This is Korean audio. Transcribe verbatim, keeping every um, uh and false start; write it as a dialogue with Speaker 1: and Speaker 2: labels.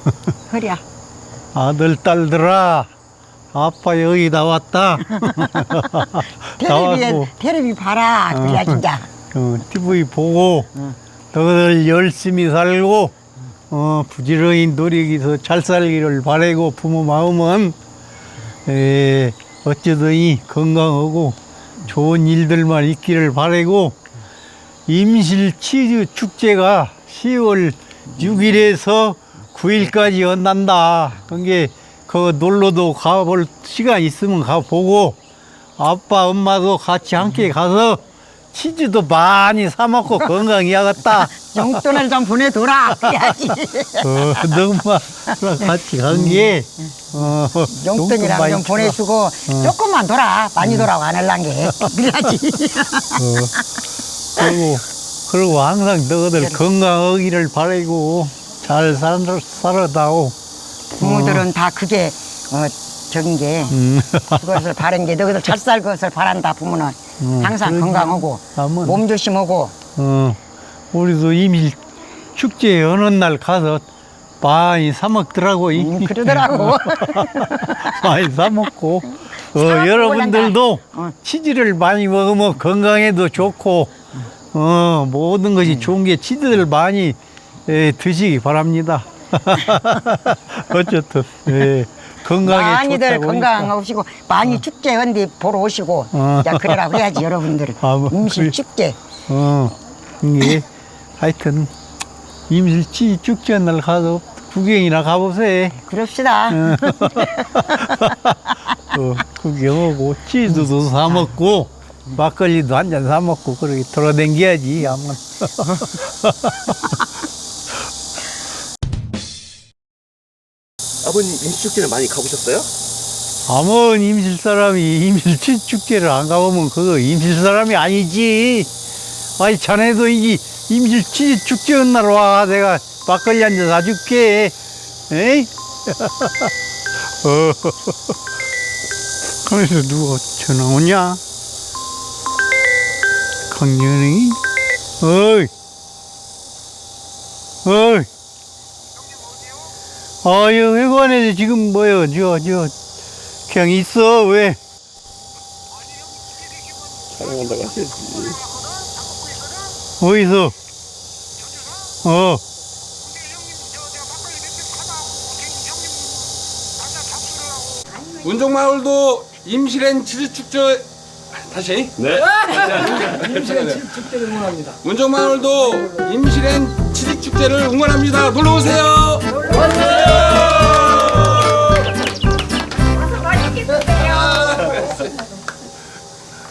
Speaker 1: 허리야.
Speaker 2: 아들, 딸들아, 아빠 여기 나왔다.
Speaker 1: 텔레비에
Speaker 2: 나왔고,
Speaker 1: 텔레비 봐라. 그래야 진짜.
Speaker 2: 어, 티비 보고,
Speaker 1: 응.
Speaker 2: 너희들 열심히 살고, 어, 부지런히 노력해서 잘 살기를 바라고, 부모 마음은, 에, 어쩌더니 건강하고, 좋은 일들만 있기를 바라고, 임실 치즈 축제가 시월 육일에서 구일까지 연단다. 그게 그 놀러도 가볼 시간 있으면 가보고 아빠 엄마도 같이 함께 가서 치즈도 많이 사 먹고 건강해야겠다.
Speaker 1: 용돈을 좀 보내둬라. 그래야지.
Speaker 2: 어, 너엄마랑 같이 간 게 어,
Speaker 1: 용돈이랑
Speaker 2: 많이
Speaker 1: 좀
Speaker 2: 주라.
Speaker 1: 보내주고 조금만 돌아. 많이 돌아고 안 할란 게. 그래야지.
Speaker 2: 어, 그리고 그리고 항상 너희들 건강하기를 바라고 잘 살, 살아다오.
Speaker 1: 부모들은 다 그게 어 적인 게
Speaker 2: 음.
Speaker 1: 그것을 바른 게 너희들 잘 살 것을 바란다. 부모는
Speaker 2: 음,
Speaker 1: 항상
Speaker 2: 그러지.
Speaker 1: 건강하고
Speaker 2: 아무튼.
Speaker 1: 몸 조심하고.
Speaker 2: 어, 우리도 이미 축제 어느 날 가서 많이 사 먹더라고.
Speaker 1: 음, 그러더라고.
Speaker 2: 많이 사 먹고. 어,
Speaker 1: 먹고
Speaker 2: 여러분들도
Speaker 1: 어.
Speaker 2: 치즈를 많이 먹으면 건강에도 좋고, 어, 모든 것이 좋은 게 치즈를 많이 에, 드시기 바랍니다. 어쨌든, 예, 건강에
Speaker 1: 많이들
Speaker 2: 좋다고
Speaker 1: 건강하시고 많이 축제 언디 보러 오시고
Speaker 2: 어.
Speaker 1: 자 그러라 그래야지 여러분들.
Speaker 2: 아, 뭐,
Speaker 1: 임실
Speaker 2: 그래.
Speaker 1: 축제.
Speaker 2: 어, 이게 하여튼 임실치 축제 날 가서 구경이나 가보세요.
Speaker 1: 그럽시다.
Speaker 2: 어, 구경하고 치즈도 사 먹고 막걸리도 한 잔 사 먹고 그렇게 돌아다녀야지. 아마.
Speaker 3: 아버님 임시축제를 많이 가보셨어요?
Speaker 2: 아무 임실 사람이 임실치 축제를 안 가보면 그거 임실 사람이 아니지. 아니 자네도 이게 임실치 축제 날 와. 내가 막걸리 한 잔 사줄게. 에이? 어. 그래서 누가 전화 오냐? 강연이? 어이. 어이. 아유, 회관에 지금 뭐요? 저, 저, 그냥 있어, 왜?
Speaker 3: 촬영한다고 하셔야지.
Speaker 2: 어디서? 어.
Speaker 4: 문종마을도 임실엔 치즈축제 다시
Speaker 3: 네.
Speaker 4: 임실엔 치즈축제를 응원합니다. 문종마을도 임실엔 치즈축제를 응원합니다. 놀러 오세요. 놀러 오세요.